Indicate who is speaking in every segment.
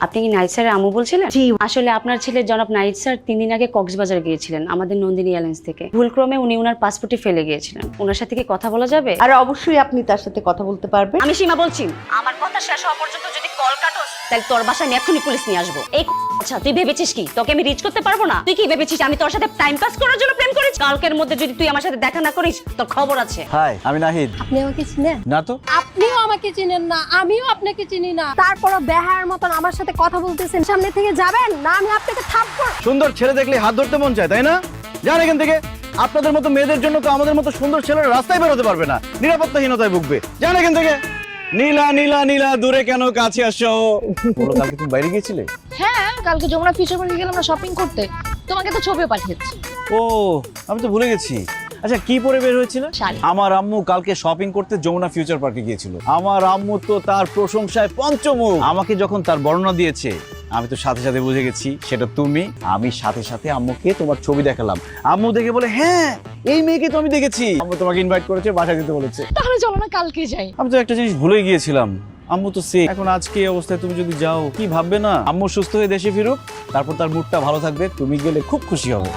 Speaker 1: আপনি কি নাইট স্যারের আম্মু বলছিলেন? জি, আসলে আপনার ছেলে জনাব নাইট স্যার 3 দিন আগে কক্সবাজার গিয়েছিলেন আমাদের নন্দিনী এয়ারলাইন্স থেকে। ভুলক্রমে উনি ওনার পাসপোর্টে ফেলে গিয়েছিলেন। ওনার সাথে কি কথা বলা যাবে?
Speaker 2: আর অবশ্যই আপনি তার সাথে কথা বলতে পারবেন।
Speaker 1: আমি সীমা বলছি, আমার কথা শেষ হওয়া পর্যন্ত যদি কল কাটোস তাহলে তোর বাসায় আমি এক্ষুনি পুলিশ নিয়ে আসবো। এই আচ্ছা, তুই ভেবেছিস কি তোকে আমি রিচ করতে পারবো না? তুই কি ভেবেছিস আমি তোর সাথে টাইম পাস করার জন্য প্রেম করেছি? কালকের মধ্যে যদি তুই আমার সাথে দেখা না করিস তোর খবর আছে।
Speaker 3: হাই, আমি নাহিদ।
Speaker 4: আপনি আমাকে চিনেন
Speaker 3: না তো।
Speaker 4: আপনিও আমাকে চিনেন না, আমিও আপনাকে চিনি না, তারপরও বেহায়ার মতন আমার সাথে কথা বলতেছেন। সামনে থেকে যাবেন না, আমি আপনাকে থাপ্পড়।
Speaker 3: সুন্দর ছেলে দেখলে হাত ধরতে মন চায়, তাই না? যান এখান থেকে। আপনাদের মতো মেয়েদের জন্য তো আমাদের মতো সুন্দর ছেলেরা রাস্তায় বেরোতে পারবে না, নিরাপত্তাহীনতায় ভুগবে। যান এখান থেকে। নীলা নীলা নীলা, দূরে কেন কাছে আসো? বলো, কালকে তুমি বাইরে গিয়েছিলে?
Speaker 5: হ্যাঁ, কালকে যমুনা ফিউচার পার্কে গেলাম না শপিং করতে। তোমাকে তো ছবিও পাঠিয়েছি।
Speaker 3: ও, আমি তো ভুলে গেছি। আচ্ছা, কি পরে বের হয়েছিল?
Speaker 5: শাড়ি।
Speaker 3: আমার আম্মু কালকে শপিং করতে যমুনা ফিউচার পার্কে গিয়েছিল। আমার আম্মু তো তার প্রশংসায় পঞ্চমুখ। আমাকে যখন তার বর্ণনা দিয়েছে আমি তো সাথে সাথে বুঝে গেছি সেটা তুমি। আমি সাথে সাথে আম্মুকে তোমার ছবি দেখালাম। আম্মু দেখে বলে, হ্যাঁ এই মেয়েকে তো আমি দেখেছি। আম্মু তোমাকে ইনভাইট করেছে, বাসায় যেতে বলেছে।
Speaker 5: তাহলে চলো না কালকে যাই।
Speaker 3: আমি তো একটা জিনিস ভুলে গিয়েছিলাম, আম্মু তো সে এখন আজকে এই অবস্থায় তুমি যদি যাও কি ভাববে না? আম্মু সুস্থ হয়ে দেশে ফিরুক, তারপর তার মুডটা ভালো থাকবে, তুমি গেলে খুব খুশি হবে।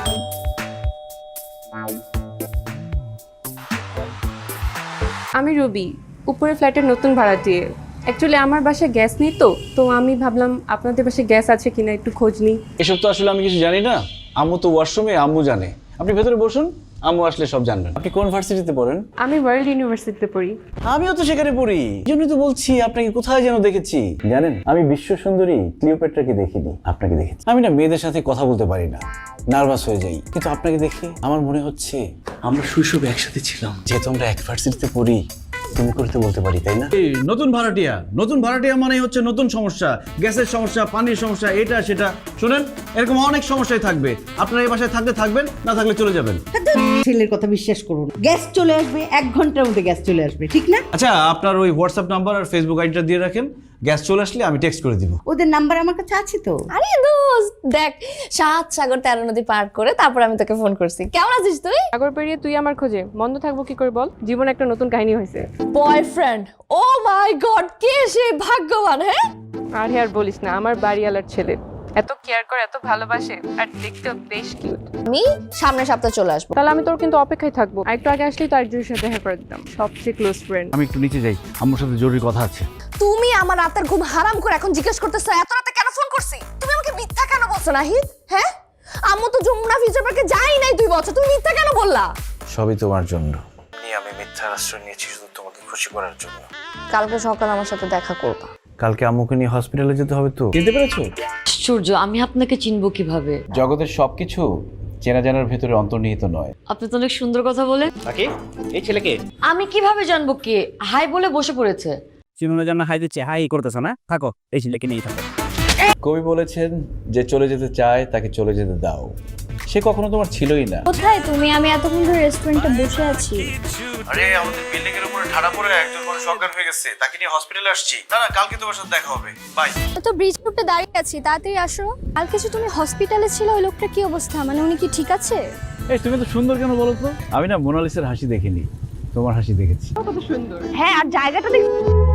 Speaker 6: আমি রবি, উপরে ফ্ল্যাটের নতুন ভাড়াটিয়ে। অ্যাকচুয়ালি আমার বাসায় গ্যাস নেই, তো আমি ভাবলাম আপনাদের বাসায় গ্যাস আছে কিনা একটু খোঁজ নিই।
Speaker 3: এসব তো আসলে আমি কিছু জানি না। আম্মু তো ওয়াশরুমে, আম্মু জানে। আপনি ভেতরে বসুন, আম্মু আসলে সব জানবেন। আপনি কোন ভার্সিটিতে পড়েন?
Speaker 6: আমি ওয়ার্ল্ড ইউনিভার্সিটিতে পড়ি।
Speaker 3: আমিও তো সেখানে পড়ি, এই জন্যই তো বলছি আপনাকে কোথায় যেন দেখেছি। জানেন, আমি বিশ্ব সুন্দরী ক্লিওপেট্রাকে দেখিনি, আপনাকে দেখেছি। আমি না মেয়েদের সাথে কথা বলতে পারি না, নার্ভাস হয়ে যাই, কিন্তু আপনাকে দেখে আমার মনে হচ্ছে আমরা শৈশবে একসাথে ছিলাম। যেহেতু আমরা এক ভার্সিটিতে পড়ি, তুমি করতে বলতে পারি, তাই না? নতুন ভাড়াটিয়া মানে হচ্ছে নতুন সমস্যা, গ্যাসের সমস্যা, পানির সমস্যা, এটা সেটা। শুনেন, এরকম অনেক সমস্যাই থাকবে। আপনারা এই বাসায় থাকলে থাকবেন, না থাকলে চলে যাবেন।
Speaker 2: ছেলের কথা বিশ্বাস করুন, গ্যাস চলে আসবে 1 ঘন্টার মধ্যে, গ্যাস চলে আসবে, ঠিক না?
Speaker 3: আচ্ছা, আপনার ওই হোয়াটসঅ্যাপ নাম্বার আর ফেসবুক আইডিটা দিয়ে রাখেন। গ্যাস চলে আসলে আমি টেক্সট করে দিব।
Speaker 2: ওদের নাম্বার আমার কাছে আছে তো।
Speaker 5: আরে দোস্ত, দেখ 7 সাগর 13 নদী পার করে তারপর আমি তোকে ফোন করছি। কেমন আছিস তুই?
Speaker 6: সাগর পেরিয়ে তুই আমার খোঁজে বন্ধ থাকবো কি করে বল? জীবনে একটা নতুন কাহিনী হয়েছে।
Speaker 5: বয়ফ্রেন্ড? ও মাই গড, কে সে ভাগ্যবান! হ্যাঁ,
Speaker 6: আর বলিস না, আমার বাড়িওয়ালার ছেলে এত কেয়ার করে, এত ভালোবাসে, আর দেখতেও বেশ কিউট।
Speaker 5: আমি সামনের সপ্তাহে চলে আসবো।
Speaker 6: তাহলে আমি তোর কিন্তু অপেক্ষায় থাকবো। আর একটু আগে আসলেই তো আরেকজনের সাথে দেখা করে দিতাম, সবচেয়ে ক্লোজ ফ্রেন্ড।
Speaker 3: আমি একটু নিচে যাই, আম্মুর সাথে জরুরি কথা আছে।
Speaker 5: তুমি আমার রাতের ঘুম হারাম করে এখন জিজ্ঞেস করতেছো এত রাতে কেন ফোন করছি? তুমি আমাকে মিথ্যা কেন বলছো নাহিদ? হ্যাঁ, আম্মু তো যমুনা ফিউচার পার্কে যাই নাই 2 বছর, তুমি মিথ্যা কেন বললা?
Speaker 3: সবই তোমার জন্য। আমি মিথ্যার আশ্রয় নিয়েছি শুধু তোমাকে খুশি করার জন্য।
Speaker 5: কালকে সকালে আমার সাথে দেখা করবা।
Speaker 3: কালকে আম্মুকে নিয়ে হসপিটালে যেতে হবে তো। চিনতে পেরেছো?
Speaker 7: আশ্চর্য, আমি আপনাকে চিনবো কিভাবে?
Speaker 3: জগতের সবকিছু চেনা জানার ভেতরে অন্তর্নিহিত নয়।
Speaker 7: আপনি তো অনেক সুন্দর কথা বলেন।
Speaker 8: তাকে এই ছেলেকে
Speaker 7: আমি কিভাবে জানবো কে? হাই বলে বসে পড়েছে।
Speaker 8: চিনোনের জন্য হাই দিচ্ছে, হাই করতেছ না? থাকো, এই ছেলেকে নিয়েই থাকো।
Speaker 3: কবি বলেছেন, যে চলে যেতে চায় তাকে চলে যেতে দাও। সে কখনো তোমার ছিলই না।
Speaker 4: কোথায় তুমি? আমি এতক্ষণ ধরে রেস্টুরেন্টে বসে আছি।
Speaker 3: আরে, আমাদের বিল্ডিং এর উপরে ঠাড়া পড়ে একজন মানুষ অজ্ঞান হয়ে গেছে, তাকে নিয়ে হসপিটালে আসছি। না, কালকে তোমার সাথে দেখা হবে। বাই।
Speaker 4: তো ব্রিজ রোডে দাঁড়িয়ে আছি, তাড়াতাড়ি আসো। কালকে যে তুমি হসপিটালে ছিল, ওই লোকটা কি অবস্থা? মানে উনি কি ঠিক আছে?
Speaker 3: এই তুমি তো সুন্দর কেন বলো তো? আমি না মোনালিসার হাসি দেখিনি, তোমার হাসি দেখেছি।
Speaker 5: হ্যাঁ, আর জায়গাটা দেখ।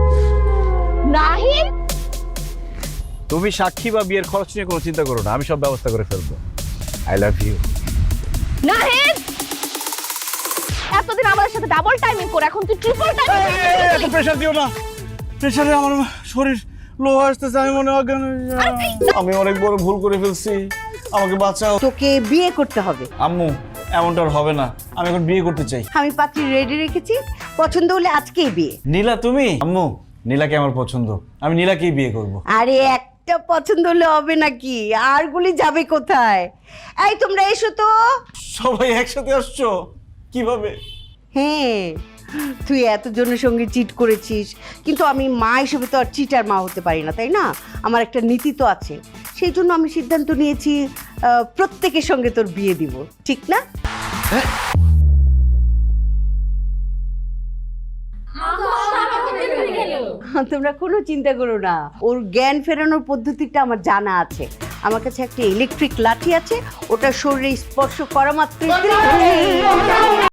Speaker 5: নাহিদ,
Speaker 3: তুমি সাক্ষী বা বিয়ের খরচ নিয়ে কোনো চিন্তা করো না, আমি সব ব্যবস্থা করে ফেলবো। I love you.
Speaker 5: নাহিদ, এতদিন আমাদের সাথে ডাবল টাইমিং করে এখন তুই ট্রিপল টাইমিং।
Speaker 3: এত প্রেসার দিও না, প্রেসারে আমার শরীর লো আসতেছে, আমি মনে অজ্ঞান হয়ে যাই। আমি অনেক বড় ভুল করে ফেলছি, আমাকে বাঁচাও।
Speaker 2: তোকে বিয়ে করতে হবে।
Speaker 3: আম্মু, এমনটা আর হবে না, আমি এখন বিয়ে করতে চাই।
Speaker 2: আমি পাত্রী রেডি রেখেছি, পছন্দ হলে আজকেই বিয়ে।
Speaker 3: নীলা তুমি? আম্মু, নীলাকে আমার পছন্দ, আমি নীলাকেই বিয়ে করব।
Speaker 2: আরে একটা পছন্দ হলে হবে নাকি? আর গুলি যাবে কোথায়? এই তোমরা এসো তো।
Speaker 3: সবাই একসাথে আসছো কিভাবে?
Speaker 2: হ্যাঁ, তুই এতজনের সঙ্গে চিট করেছিস, কিন্তু আমি মা হিসেবে তো আর চিটার মা হতে পারি না, তাই না? আমার একটা নীতি তো আছে, সেই জন্য আমি সিদ্ধান্ত নিয়েছি প্রত্যেকের সঙ্গে তোর বিয়ে দিব, ঠিক না? তোমরা কোনো চিন্তা করো না, ওর জ্ঞান ফেরানোর পদ্ধতিটা আমার জানা আছে। আমার কাছে একটা ইলেকট্রিক লাঠি আছে, ওটা শরীরে স্পর্শ করা মাত্রই